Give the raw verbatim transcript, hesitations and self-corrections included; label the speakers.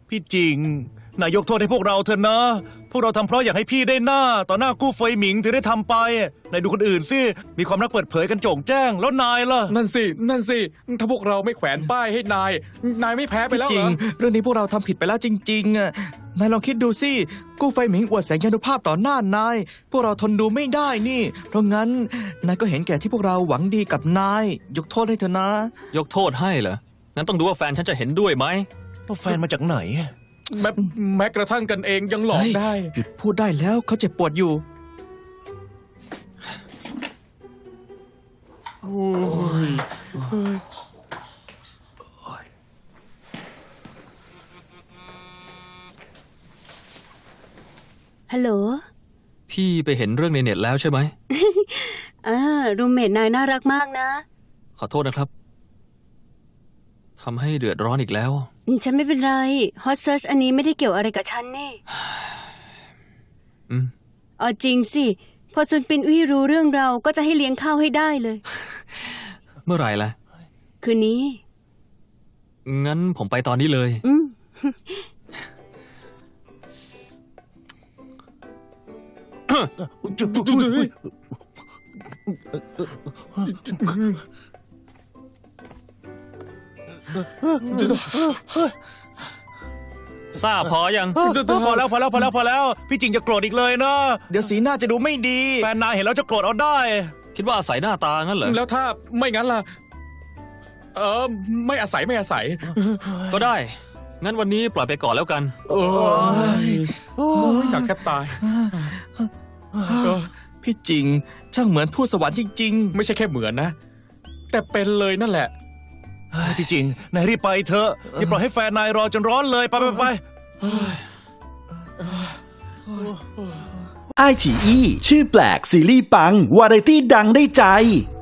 Speaker 1: พี่จริงนายยกโทษให้พวกเราเถอะนะพวกเราทำเพราะอยากให้พี่ได้หน้าต่อหน้ากู้เฟยหมิงถึงได้ทำไปนายดูคนอื่นสิมีความรักเปิดเผยกันโจ่งแจ้งแล้วนายล่ะ
Speaker 2: นั่นสินั่นสิถ้าพวกเราไม่แขวนป้ายให้นายนายไม่แพ้ไปแล้วเหรอ
Speaker 3: จริงเรื่องนี้พวกเราทำผิดไปแล้วจริงๆอ่ะนายลองคิดดูสิกู้ไฟหมิงอวดแสงยานุภาพต่อหน้านายพวกเราทนดูไม่ได้นี่ เพราะงั้นนายก็เห็นแก่ที่พวกเราหวังดีกับนายยกโทษให้เถอะนะ
Speaker 4: ยกโทษให้เหรองั้นต้องดูว่าแฟนฉันจะเห็นด้วยไหม
Speaker 1: แล้วแฟนมาจากไหน
Speaker 2: แม้แม้กระทั่งกันเองยังหลอก
Speaker 3: เฮ้ย
Speaker 2: ได้
Speaker 3: หยุดพูดได้แล้วเขาเจ็บปวดอยู่
Speaker 2: โอ้ย
Speaker 5: ฮัลโหล
Speaker 4: พี่ไปเห็นเรื่องในเน็ตแล้วใช่ไหม
Speaker 5: อ่ารูมเมทนายน่ารักมากนะ
Speaker 4: ขอโทษนะครับทำให้เดือดร้อนอีกแล้ว
Speaker 5: ฉันไม่เป็นไรฮอตเซิร์ชอันนี้ไม่ได้เกี่ยวอะไรกับฉันนี่
Speaker 4: อืม
Speaker 5: เอาจริงสิ พอจุนปินวี่รู้เรื่องเราก็จะให้เลี้ยงข้าวให้ได้เลย
Speaker 4: เมื่อไหร่ล่ะ
Speaker 5: คืนนี้
Speaker 4: งั้นผมไปตอนนี้เลย
Speaker 5: อืม
Speaker 4: ทราบพอยัง
Speaker 1: พอแล้วพอแล้วพอแล้วพอแล้วพี่จริงจะโกรธอีกเลยนะ
Speaker 3: เดี๋ยวสีหน้าจะดูไม่ดี
Speaker 1: แฟนนายเห็นแล้วจะโกรธเอาได้
Speaker 4: คิดว่าอาศัยหน้าตางั้นเหรอ
Speaker 2: แล้วถ้าไม่งั้นล่ะเออไม่อาศัยไม่อาศัย
Speaker 4: ก็ได้ งั้นวันนี้ปล่อยไปก่อนแล้วกัน
Speaker 2: โอ้ยโอ้ยอยากแค่ตายเออ
Speaker 3: พี่จริง ช่างเหมือนทูตสวรรค์จริง
Speaker 2: ไม่ใช่แค่เหมือนนะ แต่เป็นเลยนั่นแหละ
Speaker 1: เฮ้ยพี่จริงนายรีบไปเถอะอย่าปล่อยให้แฟนนายรอจนร้อนเลยไปไปไป
Speaker 6: ไอฉีอีชื่อแปลกซีรีส์ปัง วาไรตี้ดังได้ใจ